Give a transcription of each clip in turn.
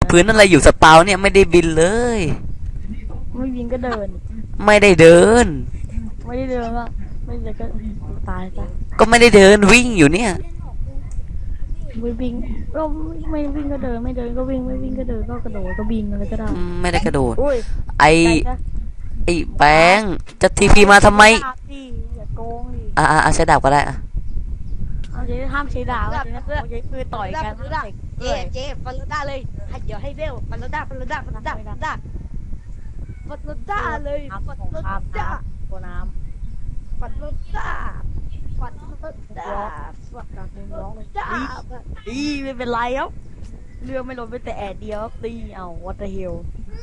พื้นอะไรอยู่สปาวเนี่ยไม่ได้บินเลยไม่บินก็เดินไม่ได้เดินไม่ได้เดินก็ไม่ได้ก็ตายซะก็ไม่ได้เดินวิ่งอยู่เนี่ยไม่วิ่งก็ไม่วิ่งก็เดินไม่เดินก็วิ่งไม่วิ่งก็เดินก็กระโดดก็บินอะไรก็ได้ไม่ได้กระโดดอุ้ยไอ้แบงค์จะทีพีมาทำไมอย่าโกงดิใช้ดาบก็ได้อะเอาเจ๊ห้ามใช้ดาบเอาเจ๊คือต่อยกันเจ๊ฟันรถด้าเลยเดี๋ยวให้เร็วฟันรถด้าเลยฟันรถด้าเลยฟันรถด้าข้ามตัวน้ฟันรถด้าฟันรถำด้าร้องกลางเพลงร้องเลยด้าดีไม่เป็นไรครับเรือไม่ลดไปแต่แอดเดียวครับตีเอาวัตเตอร์เฮล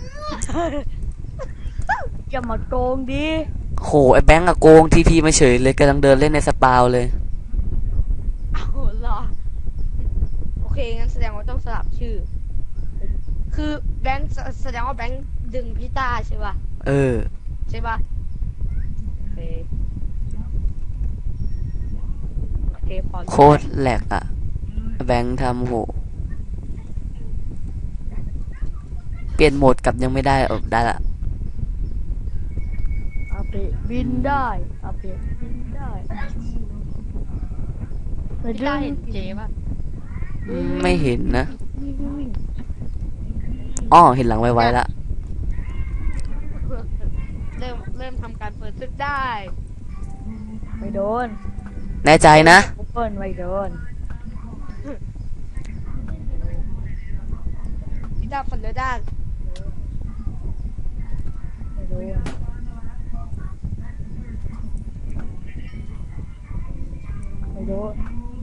อย่ามาโกงดิโหไอ้แบงค์อะโกงทีพีมาเฉยเลยกำลังเดินเล่นในสปาวเลยเอาเหรอโอเคงั้นแสดงว่าต้องสลับชื่อ คือแบงค์แสดงว่าแบงค์ดึงพี่ต้าใช่ป่ะ ใช่ป่ะโอเคพอโคตรแหลกอะแบงค์ทำโหเปลี่ยนโหมดกลับยังไม่ได้ได้ละอาเปะบินได้อาเปะบินได้พี่ต้าเห็นเจ๊ป่ะไม่เห็นนะวิ่งอ้อเห็นหลังไวๆละเริ่มทำการเปิดซึกได้ไม่โดนแน่ใจนะเปิ้ลไม่โดนพี่ต้าฟันรถด้าไม่โดนไม่โดน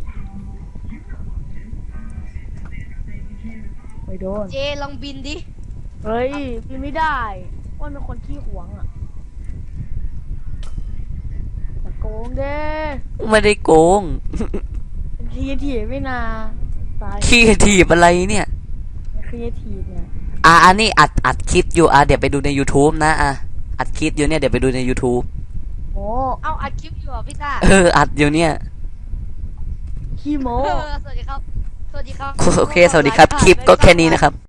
ไม่โดนเจ๊ลองบินดิเฮ้ยบินไม่ได้อ้วนเป็นคนขี้หวงอ่ะแต่โกงเด้ไม่ได้โกงเป็นครีเอทีฟไม่นาตายขี้ถีบอะไรเนี่ยครีเอทีฟเนี่ยอันนี้อัดคลิปอยู่เดี๋ยวไปดูใน YouTube นะอัดคลิปอยู่เนี่ยเดี๋ยวไปดูใน YouTube โอ้เอาอัดคลิปอยู่เหรอพี่ต้าอัดอยู่เนี่ยขี้โมสวัสดีครับ สวัสดีครับโอเค สวัสดีครับ คลิปก็แค่นี้นะครับ